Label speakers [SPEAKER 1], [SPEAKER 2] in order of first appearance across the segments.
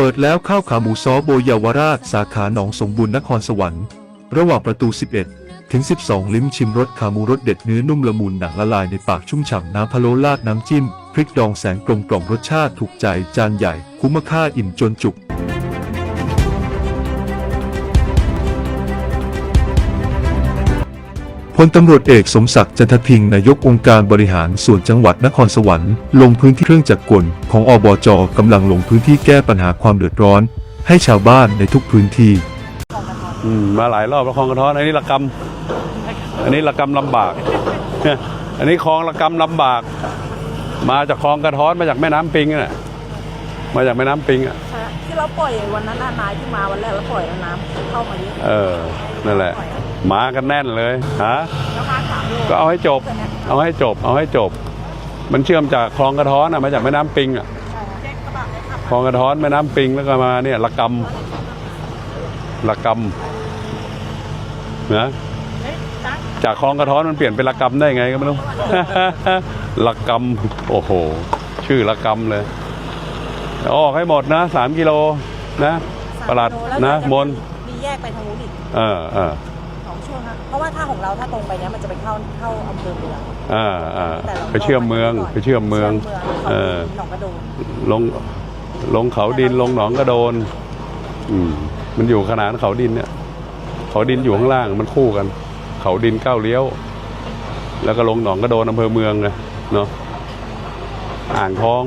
[SPEAKER 1] ปิดแล้วข้าวขาหมูซอโบเยาวราชสาขาหนองสมบูรณ์นครสวรรค์ระหว่างประตู 11 ถึง 12 ลิ้มชิมรสขาหมูรสเด็ดเนื้อนุ่มละมุนหนังละลายในปากชุ่มฉ่ำน้ำพะโล้ราดน้ำจิ้มพริกดองแสงกลมกล่อมรสชาติถูกใจจานใหญ่คุ้มค่าอิ่มจนจุกพลตำรวจเอกสมศักดิ์จันทพิงค์นายกองค์การบริหารส่วนจังหวัดนครสวรรค์ลงพื้นที่เครื่องจักรกลของอบจ.กำลังลงพื้นที่แก้ปัญหาความเดือดร้อนให้ชาวบ้านในทุกพื้นที่
[SPEAKER 2] มาหลายรอบแล้วคลองกระท้อนอันนี้ระกำลำบากอันนี้คลองระกำลำบากมาจากคลองกระท้อนมาจากแม่น้ำปิงน่ะมาจากแม่น้ำปิงอ่ะ
[SPEAKER 3] ที่เราปล่อยวันนั้นนายที่มาวันแรกแล้วปล่อยแล้วน้ำเข้ามาเยอะ
[SPEAKER 2] นั่นแหละมากันแน่นเลยฮะ
[SPEAKER 3] แล้วมา3 โล
[SPEAKER 2] ก็เอาให้จบมันเชื่อมจากคลองกระท้อนมาจากแม่น้ำปิงอ่ะคลองกระท้อนแม่น้ำปิงแล้วก็มาเนี่ยระกำนะจากคลองกระท้อนมันเปลี่ยนเป็นระกำได้ไงก็ไม่รู้ ระกำโอ้โหชื่อระกำเลยออกให้หมดนะ3 กิโลนะประหลัดนะมน
[SPEAKER 3] มีแยกไปทางนู้นอีก2 ช่วงนะเพราะว่าถ้าของเราถ้าตรงไปเนี้ยมันจะไปเข้าอำเภอเมือง
[SPEAKER 2] ไปเชื่อมเมืองหนองกระโดนลงเขาดินลงหนองกระโดนมันอยู่ขนานเขาดินเนี่ยเขาดินอยู่ข้างล่างมันคู่กันเขาดินก้าวเลี้ยวแล้วก็ลงหนองกระโดนอำเภอเมืองไงเนาะอ่างทอง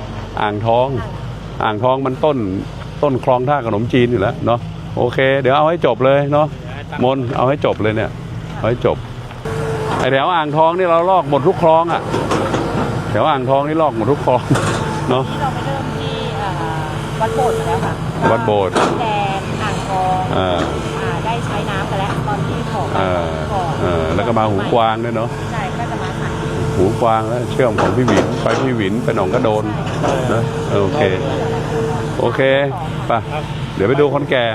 [SPEAKER 2] มันต้นคลองท่าขนมจีนอยู่แล้วเนาะโอเคเดี๋ยวเอาให้จบเลยเนาะมนเอาให้จบเลยเนี่ยเอาให้จบไอแถวอ่างทองนี่เราลอกหมดทุกคลองอ่ะแถวอ่างทองนี่ลอกหมดทุกคลองเนาะ
[SPEAKER 3] เราไปเริ่มที่วัดโบสถ์แล้วค่ะ
[SPEAKER 2] วัดโบสถ์
[SPEAKER 3] แดงอ่างทองได้ใช้น้ำไปแล้วตอนที่ของ
[SPEAKER 2] แล้วก็มาหูกวางด้วยเนาะ
[SPEAKER 3] ใช่ก็จะมา
[SPEAKER 2] หูกวางแล้วเชื่อมของพี่หวินไปหนองกระโดนนะโอเคป่ะเดี๋ยวไปดูคนแก่